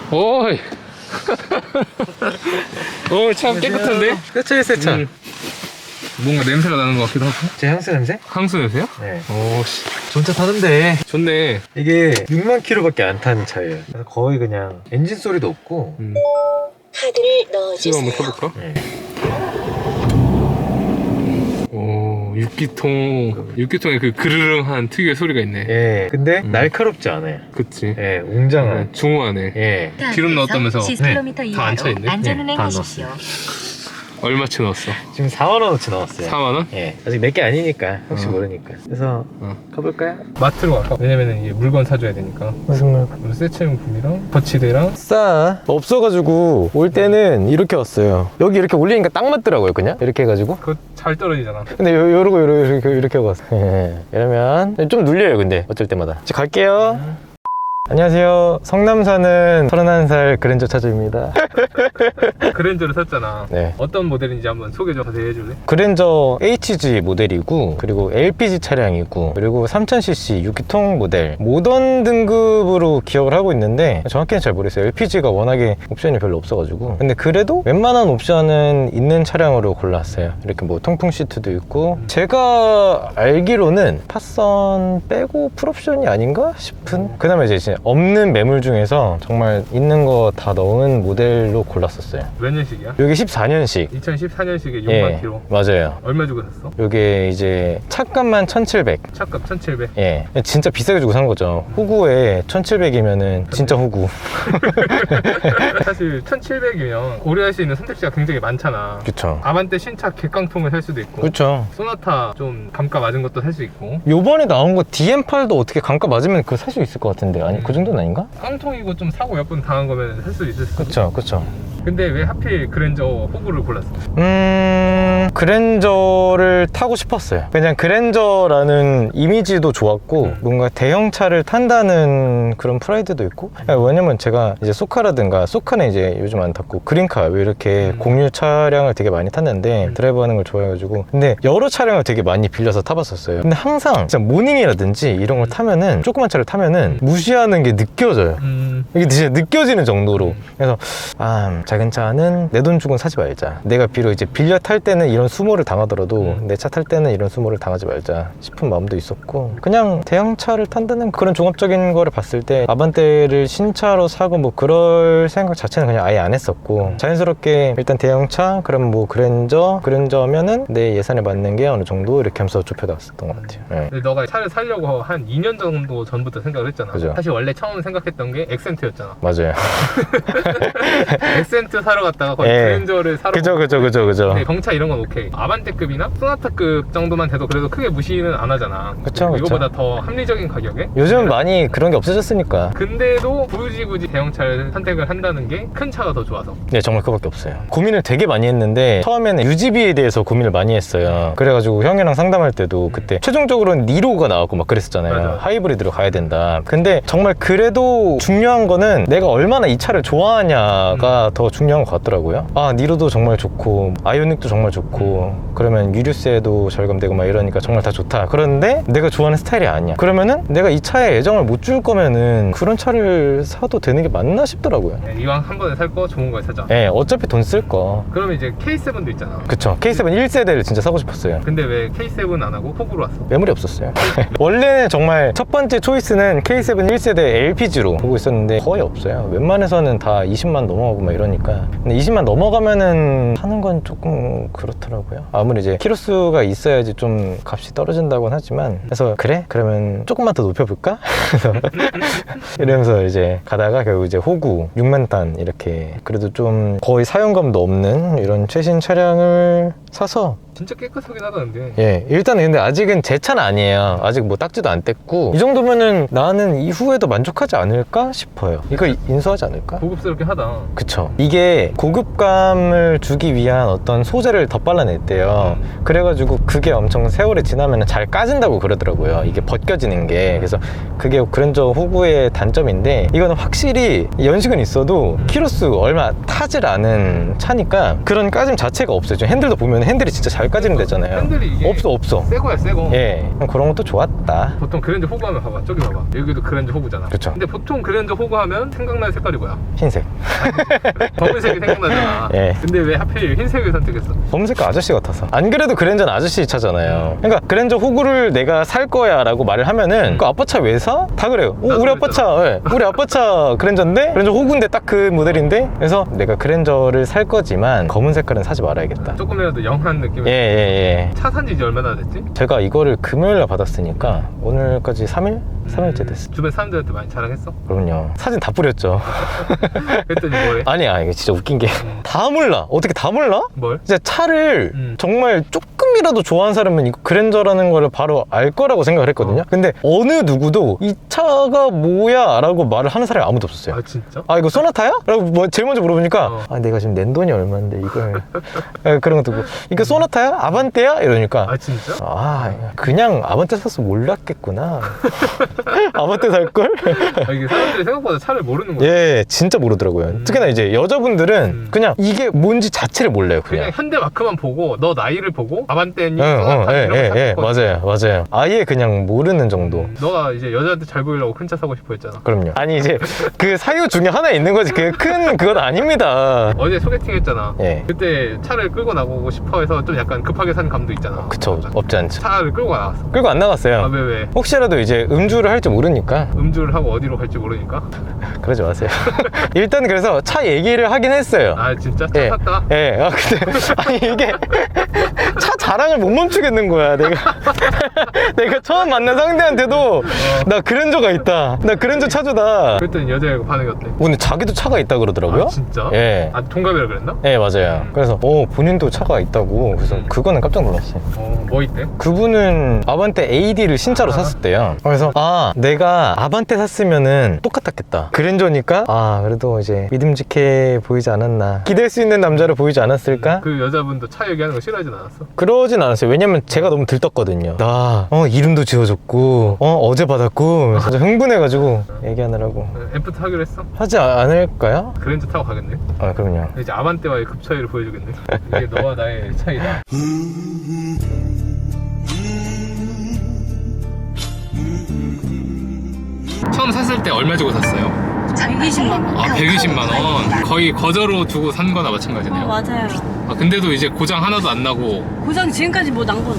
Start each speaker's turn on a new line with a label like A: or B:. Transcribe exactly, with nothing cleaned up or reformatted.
A: 오이. 오, 참 깨끗한데?
B: 세차에 세차.
A: 음. 뭔가 냄새가 나는 것 같기도 하고.
B: 제 향수 냄새?
A: 향수 냄새야?
B: 네.
A: 오, 씨.
B: 좋은 차 타는데.
A: 좋네.
B: 이게 육만 킬로미터밖에 안 탄 차예요. 그래서 거의 그냥 엔진 소리도 없고.
A: 음.
C: 카드를
A: 지금
C: 넣어주세요.
A: 한번 켜볼까?
B: 네.
A: 오, 육기통. 육기통에 그 그르릉한 특유의 소리가 있네.
B: 예. 근데
A: 음.
B: 날카롭지 않아요.
A: 그치.
B: 예, 웅장한.
A: 중후하네.
B: 예.
A: 기름 넣었다면서?
C: 십 킬로미터
A: 다 앉혀있네?
C: 이하로 안전운행
B: 네, 다
C: 하십시오.
A: 얼마치 넣었어?
B: 지금 사만 원어치 나왔어요.
A: 사만 원?
B: 예. 아직 몇 개 아니니까 혹시
A: 어.
B: 모르니까. 그래서
A: 어.
B: 가볼까요?
A: 마트로 갈까? 왜냐면은 이게 물건 사줘야 되니까.
B: 무슨 물건?
A: 세차용품이랑 거치대랑.
B: 싸 없어가지고 올 때는 이렇게 왔어요. 여기 이렇게 올리니까 딱 맞더라고요. 그냥 이렇게 해가지고.
A: 그거 잘 떨어지잖아.
B: 근데 요, 요러고 요러고 이렇게, 이렇게 하고 왔어요. 예. 이러면 좀 눌려요. 근데 어쩔 때마다. 이제 갈게요. 안녕하세요. 성남 사는 서른한 살 그랜저 차주입니다.
A: 그랜저를 샀잖아.
B: 네.
A: 어떤 모델인지 한번 소개 좀 자세히 해줄래?
B: 그랜저 에이치지 모델이고, 그리고 엘피지 차량이고, 그리고 삼천 씨씨 육 기통 모델 모던 등급으로 기억을 하고 있는데 정확히는 잘 모르겠어요. 엘피지가 워낙에 옵션이 별로 없어가지고. 근데 그래도 웬만한 옵션은 있는 차량으로 골랐어요. 이렇게 뭐 통풍 시트도 있고. 제가 알기로는 파선 빼고 풀옵션이 아닌가 싶은. 그 다음에 이제 없는 매물 중에서 정말 있는 거 다 넣은 모델로 골랐었어요.
A: 몇 년식이야?
B: 여기 십사 년식.
A: 이천십사 년식에 육만
B: 예,
A: 킬로.
B: 맞아요.
A: 얼마 주고 샀어?
B: 요게 이제 차값만 천칠백.
A: 차값 천칠백.
B: 예, 진짜 비싸게 주고 산 거죠. 호구에 천칠백이면은 진짜 호구.
A: 사실 천칠백이면 고려할 수 있는 선택지가 굉장히 많잖아.
B: 그쵸.
A: 아반떼 신차 객강통을 살 수도 있고,
B: 그쵸.
A: 소나타 좀 감가 맞은 것도 살 수 있고.
B: 요번에 나온 거 디엠팔도 어떻게 감가 맞으면 그거 살 수 있을 것 같은데. 아니, 그 정도는 아닌가?
A: 깡통이고 좀 사고 몇 번 당한 거면 살 수 있을 수도.
B: 그쵸, 그쵸.
A: 근데 왜 하필 그랜저 호구를 골랐어?
B: 음... 그랜저를 타고 싶었어요. 그냥 그랜저라는 이미지도 좋았고, 뭔가 대형차를 탄다는 그런 프라이드도 있고. 왜냐면 제가 이제 소카라든가, 소카는 이제 요즘 안 탔고, 그린카 왜 이렇게 공유 차량을 되게 많이 탔는데 드라이브 하는 걸 좋아해가지고. 근데 여러 차량을 되게 많이 빌려서 타봤었어요. 근데 항상 진짜 모닝이라든지 이런 걸 타면은, 조그만 차를 타면은 무시하는 게 느껴져요.
A: 음...
B: 이게 진짜 느껴지는 정도로. 그래서 아, 작은 차는 내 돈 주고는 사지 말자. 내가 비록 이제 빌려 탈 때는 이런 수모를 당하더라도 내 차 탈 때는 이런 수모를 당하지 말자 싶은 마음도 있었고, 그냥 대형차를 탄다는 그런 종합적인 거를 봤을 때 아반떼를 신차로 사고 뭐 그럴 생각 자체는 그냥 아예 안 했었고, 자연스럽게 일단 대형차, 그럼 뭐 그랜저, 그랜저면은 내 예산에 맞는 게 어느 정도 이렇게 하면서 좁혀놨었던 것 같아요. 네.
A: 근데 너가 차를 사려고 한 이 년 정도 전부터 생각을 했잖아.
B: 그죠.
A: 사실 원래 처음 생각했던 게 엑센트였잖아.
B: 맞아요.
A: 엑센트 사러 갔다가 거의
B: 예.
A: 그랜저를 사러
B: 그죠, 그죠, 그죠, 그죠.
A: 근데 경차 이런 건 오케이. 아반떼급이나 소나타급 정도만 돼도 그래도 크게 무시는 안 하잖아.
B: 그쵸, 그쵸.
A: 이거보다 더 합리적인 가격에.
B: 요즘 많이 그런 게 없어졌으니까.
A: 근데도 굳이 굳이 대형차를 선택을 한다는 게 큰 차가 더 좋아서.
B: 네, 정말 그거밖에 없어요. 고민을 되게 많이 했는데 처음에는 유지비에 대해서 고민을 많이 했어요. 그래가지고 형이랑 상담할 때도 그때 최종적으로는 니로가 나왔고 막 그랬었잖아요.
A: 맞아.
B: 하이브리드로 가야 된다. 근데 정말 그래도 중요한 거는 내가 얼마나 이 차를 좋아하냐가
A: 음.
B: 더 중요한 것 같더라고요. 아, 니로도 정말 좋고 아이오닉도 정말 좋고, 그러면 유류세도 절감되고 막 이러니까 정말 다 좋다. 그런데 내가 좋아하는 스타일이 아니야. 그러면은 내가 이 차에 애정을 못 줄 거면은 그런 차를 사도 되는 게 맞나 싶더라고요.
A: 네, 이왕 한 번에 살 거 좋은 걸 사자.
B: 예, 어차피 돈 쓸 거.
A: 그러면 이제 케이 세븐도 있잖아.
B: 그쵸. 케이 세븐 일 세대를 진짜 사고 싶었어요.
A: 근데 왜 케이 세븐 안 하고 호구로 왔어?
B: 매물이 없었어요. 원래는 정말 첫 번째 초이스는 케이 세븐 일 세대 엘피지로 보고 있었는데 거의 없어요. 웬만해서는 다 이십만 넘어가고 막 이러니까. 근데 이십만 넘어가면은 사는 건 조금 그렇더라고요. 아무리 이제 키로수가 있어야지 좀 값이 떨어진다고는 하지만, 그래서 그래? 그러면 조금만 더 높여볼까? 그래서 이러면서 이제 가다가 결국 이제 호구 육만 단 이렇게 그래도 좀 거의 사용감도 없는 이런 최신 차량을 사서.
A: 진짜 깨끗하긴 하다는데.
B: 예, 일단은 근데 아직은 제 차는 아니에요. 아직 뭐 딱지도 안 뗐고, 이 정도면은 나는 이후에도 만족하지 않을까 싶어요. 이거 인수하지 않을까?
A: 고급스럽게 하다.
B: 그쵸. 이게 고급감을 주기 위한 어떤 소재를 더 발라냈대요.
A: 음.
B: 그래가지고 그게 엄청 세월이 지나면 잘 까진다고 그러더라고요. 이게 벗겨지는 게. 그래서 그게 그랜저 호구의 단점인데, 이거는 확실히 연식은 있어도 키로수 얼마 타질 않은 차니까 그런 까짐 자체가 없어요. 지금 핸들도 보면 핸들이 진짜 잘 말까지는 되잖아요.
A: 핸들이 이게
B: 없어 없어.
A: 새 거야 새 거.
B: 예, 그런 것도 좋았다.
A: 보통 그랜저 호구 하면 봐봐 저기 봐봐 여기도 그랜저 호구잖아.
B: 그쵸.
A: 근데 보통 그랜저 호구 하면 생각나는 색깔이 뭐야?
B: 흰색.
A: 검은색이 생각나잖아.
B: 예.
A: 근데 왜 하필 흰색을 선택했어?
B: 검은색 아저씨 같아서. 안 그래도 그랜저는 아저씨 차잖아요. 그러니까 그랜저 호구를 내가 살 거야 라고 말을 하면은 그 아빠 차 왜 사? 다 그래요. 어,
A: 나도
B: 우리 아빠
A: 그랬잖아.
B: 차 예. 우리 아빠 차 그랜저인데 그랜저 호구인데 딱 그 모델인데 그래서 내가 그랜저를 살 거지만 검은 색깔은 사지 말아야겠다.
A: 조금이라도 영한 느낌.
B: 예, 예, 예.
A: 차 산지 이제 얼마나 됐지?
B: 제가 이거를 금요일날 받았으니까 오늘까지 삼 일? 삼 일째 됐어.
A: 주변 사람들한테 많이 자랑했어?
B: 그럼요. 사진 다 뿌렸죠.
A: 그랬더니 뭐래?
B: 아니야, 이게 진짜 웃긴 게 다 몰라. 어떻게 다 몰라?
A: 뭘?
B: 진짜 차를
A: 음.
B: 정말 조금이라도 좋아하는 사람은 이거 그랜저라는 거를 바로 알 거라고 생각을 했거든요.
A: 어.
B: 근데 어느 누구도 이 차가 뭐야? 라고 말을 하는 사람이 아무도 없었어요.
A: 아 진짜?
B: 아 이거 소나타야? 라고 뭐 제일 먼저 물어보니까
A: 어.
B: 아 내가 지금 낸 돈이 얼마인데 이걸 아, 그런 것도 있고 이거 소나타야? 아반떼야? 이러니까
A: 아 진짜?
B: 아 그냥 아반떼 샀어 몰랐겠구나. 아반떼 살걸?
A: 아, 이게 사람들이 생각보다 차를 모르는 거야.
B: 예 진짜 모르더라고요.
A: 음.
B: 특히나 이제 여자분들은
A: 음.
B: 그냥 이게 뭔지 자체를 몰라요.
A: 그냥
B: 그냥
A: 현대 마크만 보고 너 나이를 보고 아반떼니
B: 응, 응,
A: 소나타
B: 예,
A: 이런 거
B: 예, 예,
A: 찾았거든.
B: 맞아요, 맞아요. 아예 그냥 모르는 정도.
A: 음, 너가 이제 여자한테 잘 보이려고 큰 차 사고 싶어 했잖아.
B: 그럼요. 아니 이제 그 사유 중에 하나 있는 거지. 그 큰 그건 아닙니다.
A: 어제 소개팅 했잖아.
B: 예,
A: 그때 차를 끌고 나가고 싶어 해서 좀 약간 급하게 산 감도 있잖아.
B: 그쵸. 없지 않죠.
A: 차를 끌고 나갔어.
B: 끌고 안 나갔어요.
A: 아 왜 왜?
B: 혹시라도 이제 음주를 할지 모르니까
A: 음주를 하고 어디로 갈지 모르니까.
B: 그러지 마세요. 일단 그래서 차 얘기를 하긴 했어요.
A: 아 진짜? 차
B: 예,
A: 샀다?
B: 예. 아 근데 아니 이게 차 자랑을 못 멈추겠는 거야. 내가 내가 처음 만난 상대한테도 나 그랜저가 있다. 나 그랜저 차주다.
A: 그랬더니 여자애가 반응이 어때?
B: 근데 자기도 차가 있다 그러더라고요.
A: 아 진짜?
B: 예.
A: 아 동갑이라 그랬나?
B: 예, 맞아요. 그래서 어 본인도 차가 있다고. 그래서 그거는 깜짝 놀랐어요.
A: 어뭐 있대?
B: 그분은 아반떼 에이디를 신차로
A: 아.
B: 샀었대요. 그래서 아 내가 아반떼 샀으면은 똑같았겠다. 그랜저니까 아 그래도 이제 믿음직해 보이지 않았나. 기댈 수 있는 남자로 보이지 않았을까?
A: 그 여자분도 차 얘기하는 거 싫어하진 않았어?
B: 그러진 않았어요. 왜냐면 제가 너무 들떴거든요. 나 어, 이름도 지어줬고 어, 어제 받았고 진짜 흥분해가지고 얘기하느라고
A: 애프터 하기로 했어?
B: 하지 아- 않을까요?
A: 그랜저 타고 가겠네.
B: 아 그럼요.
A: 이제 아반떼와의 급 차이를 보여주겠네. 이게 너와 나의 차이다. 처음 샀을 때 얼마 주고 샀어요?
C: 백이십만 원.
A: 아 백이십만 원. 거의 거저로 주고 산 거나 마찬가지네요.
C: 어, 맞아요.
A: 아, 근데도 이제 고장 하나도 안 나고
C: 고장 지금까지 뭐 난 건